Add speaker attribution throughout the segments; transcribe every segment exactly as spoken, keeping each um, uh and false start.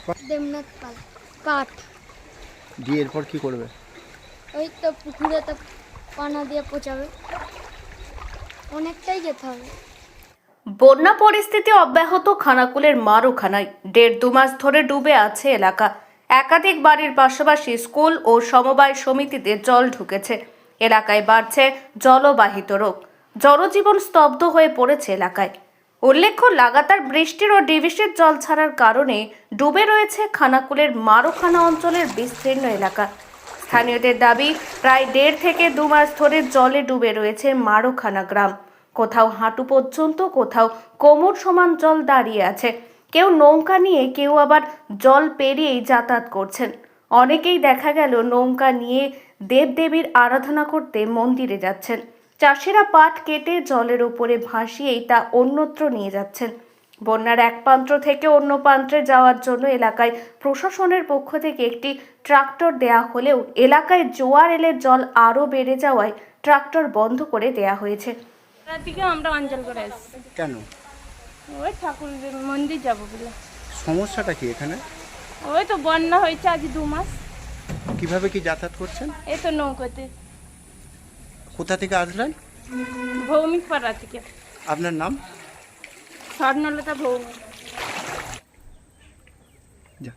Speaker 1: দেবনাথ পাল। কাঠ
Speaker 2: দিয়ে এরপর কি করবে?
Speaker 1: ওই তো পুকুরে তো পানা দিয়ে পচাবে, অনেকটাই যেতে হবে।
Speaker 3: বন্যা পরিস্থিতি অব্যাহত খানাকুলের মারুখানায় দেড় দু মাস ধরে ডুবে আছে এলাকা। একাধিক বাড়ির পাশাপাশি স্কুল ও সমবায় সমিতিতে জল ঢুকেছে। এলাকায় বাড়ছে জলবাহিত রোগ, জনজীবন স্তব্ধ হয়ে পড়েছে এলাকায়। উল্লেখ্য, লাগাতার বৃষ্টির ও ডিভিসির জল ছাড়ার কারণে ডুবে রয়েছে খানাকুলের মারুখানা অঞ্চলের বিস্তীর্ণ এলাকা। স্থানীয়দের দাবি, প্রায় দেড় থেকে দু মাস ধরে জলে ডুবে রয়েছে মারুখানা গ্রাম। কোথাও হাঁটু পর্যন্ত, কোথাও কোমর সমান জল দাঁড়িয়ে আছে। কেউ নৌকা নিয়ে, কেউ আবার জল পেরিয়েই যাতায়াত করছেন। অনেকেই দেখা গেল নৌকা নিয়ে দেবদেবীর আরাধনা করতে মন্দিরে যাচ্ছেন। চাষিরা পাট কেটে জলের উপরে ভাসিয়েই তা অন্যত্র নিয়ে যাচ্ছেন। বন্যার এক প্রান্ত থেকে অন্য প্রান্তে যাওয়ার জন্য এলাকায় প্রশাসনের পক্ষ থেকে একটি ট্রাক্টর দেয়া হলেও এলাকায় জোয়ার এলে জল আরও বেড়ে যাওয়ায় ট্রাক্টর বন্ধ করে দেয়া হয়েছে।
Speaker 4: রাতিকে আমরা অঞ্চল করে এসেছি।
Speaker 2: কেন?
Speaker 4: ওই ঠাকুরের মন্দির যাবো বলে।
Speaker 2: সমস্যাটা কি এখানে?
Speaker 4: ওই তো বন্যা হয়েছে আজ দু মাস।
Speaker 2: কিভাবে কি যাতায়াত করছেন?
Speaker 4: এই তো নৌকাতে।
Speaker 2: কোথা থেকে আসলেন?
Speaker 4: ভৌমিক পাড়া থেকে।
Speaker 2: আপনার নাম?
Speaker 4: স্বর্ণলতা ভৌমিক।
Speaker 2: যা।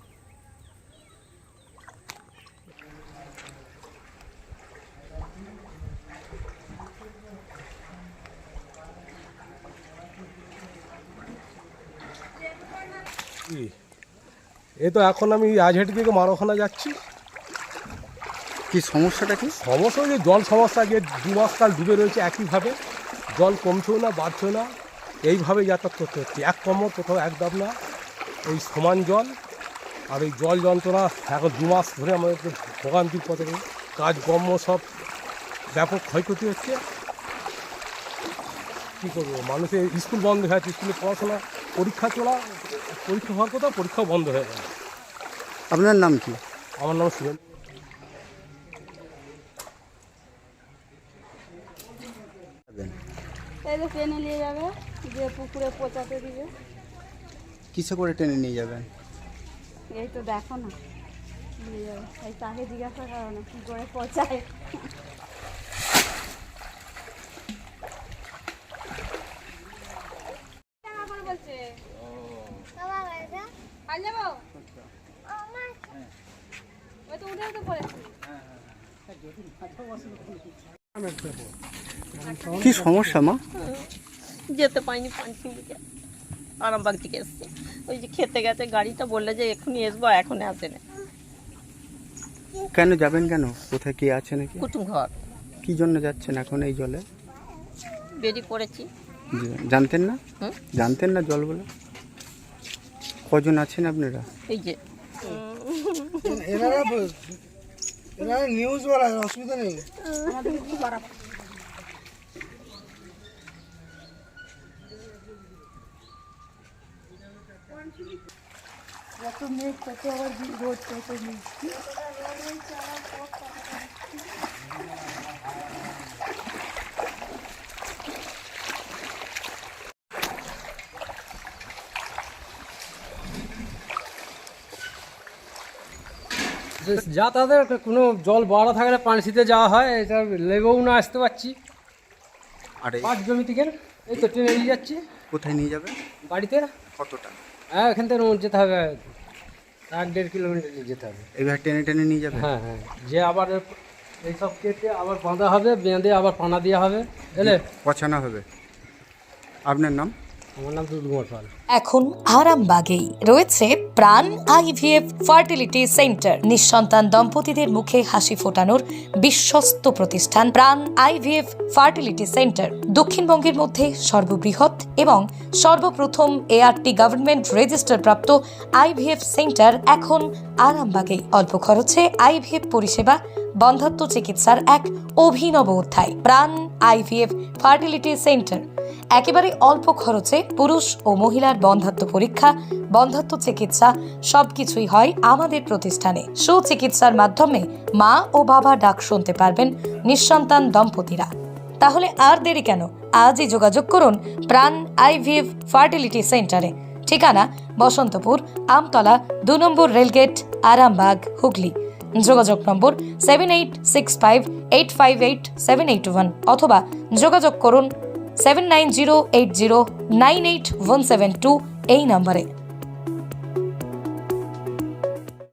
Speaker 5: এই তো এখন আমি আজহাটি থেকে মারোখানা যাচ্ছি।
Speaker 2: কি সমস্যাটা কি?
Speaker 5: সমস্যা যে জল সমস্যা, যে দু মাস কাল ডুবে রয়েছে একইভাবে, জল কমছেও না বাড়ছেও না, এইভাবে যাতায়াত করতে হচ্ছে। এক কোমর কোথাও এক দাম না, এই সমান জল। আর এই জল যন্ত্রণা এখন দু মাস ধরে আমাদের ভোগান্তির পথে, কাজকর্ম সব ব্যাপক ক্ষয়ক্ষতি হচ্ছে। কী করবো, মানুষের স্কুল বন্ধ হয়ে আছে, স্কুলে পড়াশোনা, পরীক্ষা চলা, পরীক্ষা হওয়ার কথা, পরীক্ষাও বন্ধ হয়ে গেল।
Speaker 2: আপনার নাম কি?
Speaker 5: আমার নাম সুরেন।
Speaker 4: এই তো টেনে নিয়ে যাবে, যে পুকুরে পচাতে দিবে।
Speaker 2: কিসে করে টেনে নিয়ে যাবেন?
Speaker 4: এই তো দেখো না, নিয়ে যাবে। এই তাকে জিজ্ঞাসা করো না কী করে পচায়।
Speaker 2: কি সমস্যা মা?
Speaker 6: যেতে পাইনি পাঁচিল দিকে, আরামবাগ থেকে এসছি। ওই যে খেতে গেছে, গাড়িটা বললে যে এক্ষুনি আসবো, এখন আসে না।
Speaker 2: কেন যাবেন কেন? কোথায় কে আছে নাকি?
Speaker 6: কুটুম ঘর।
Speaker 2: কি জন্য যাচ্ছেন এখন এই জলে?
Speaker 6: বেরিয়ে পড়েছি।
Speaker 2: জানতেন না?
Speaker 6: হুম?
Speaker 2: জানতেন না জল বলে? কজন আছেন আপনারা?
Speaker 6: এই যে
Speaker 7: নিউজ বলা অসুবিধা নেই।
Speaker 1: যত মেঘ তত আবার রোদ, তত মেঘ।
Speaker 8: যাতায়াতের কোনো জল বাড়া থাকলে পানসিতে যাওয়া হয়, এটা লেবেও না আসতে পারছি।
Speaker 2: আর এই-
Speaker 8: পাট জমি থেকে এই তো ট্রেনে নিয়ে যাচ্ছি
Speaker 2: কোথায় নিয়ে যাবেন?
Speaker 8: বাড়িতে।
Speaker 2: কতটা?
Speaker 8: হ্যাঁ, এখান থেকে যেতে হবে এক দেড় কিলোমিটার নিয়ে যেতে হবে।
Speaker 2: এবার টেনে টেনে নিয়ে যাবেন?
Speaker 8: হ্যাঁ হ্যাঁ, যে আবার এইসব কেটে আবার বাঁধা হবে, বেঁধে আবার পানা দেওয়া হবে, বুঝলে।
Speaker 2: পছানো হবে। আপনার নাম?
Speaker 8: আমার নাম দুধকুমার পাল।
Speaker 9: এখন আরামবাগেই রয়েছে প্রাণ আইভিএফ ফার্টিলিটি সেন্টার। নিঃসন্তান দম্পতিদের মুখে হাসি ফোটানোর বিশ্বস্ত প্রতিষ্ঠান প্রাণ আইভিএফ ফার্টিলিটি সেন্টার। দক্ষিণবঙ্গের মধ্যে সর্ববৃহৎ এবং সর্বপ্রথম এআরটি গভর্নমেন্ট রেজিস্টার প্রাপ্ত আইভিএফ সেন্টার এখন আরামবাগেই। অল্প খরচে আইভিএফ পরিষেবা, বন্ধ্যাত্ব চিকিৎসার এক অভিনব অধ্যায়। প্রাণ আইভিএফ ফার্টিলিটি সেন্টার একেবারে অল্প খরচে পুরুষ ও মহিলার বন্ধ্যাত্ব পরীক্ষা, বন্ধ্যাত্ব চিকিৎসা সবকিছুই হয় আমাদের প্রতিষ্ঠানে। সুচিকিৎসার মাধ্যমে মা ও বাবা ডাক শুনতে পারবেন নিঃসন্তান দম্পতিরা। তাহলে আর দেরি কেন? আজই যোগাযোগ করুন প্রাণ আইভিএফ ফার্টিলিটি সেন্টারে। ঠিকানা বসন্তপুর আমতলা দু নম্বর রেলগেট আরামবাগ হুগলি। যোগাযোগ নম্বর seven eight six five eight five eight seven eight one অথবা যোগাযোগ করুন seven nine zero eight zero nine eight one seven two এই নম্বরে।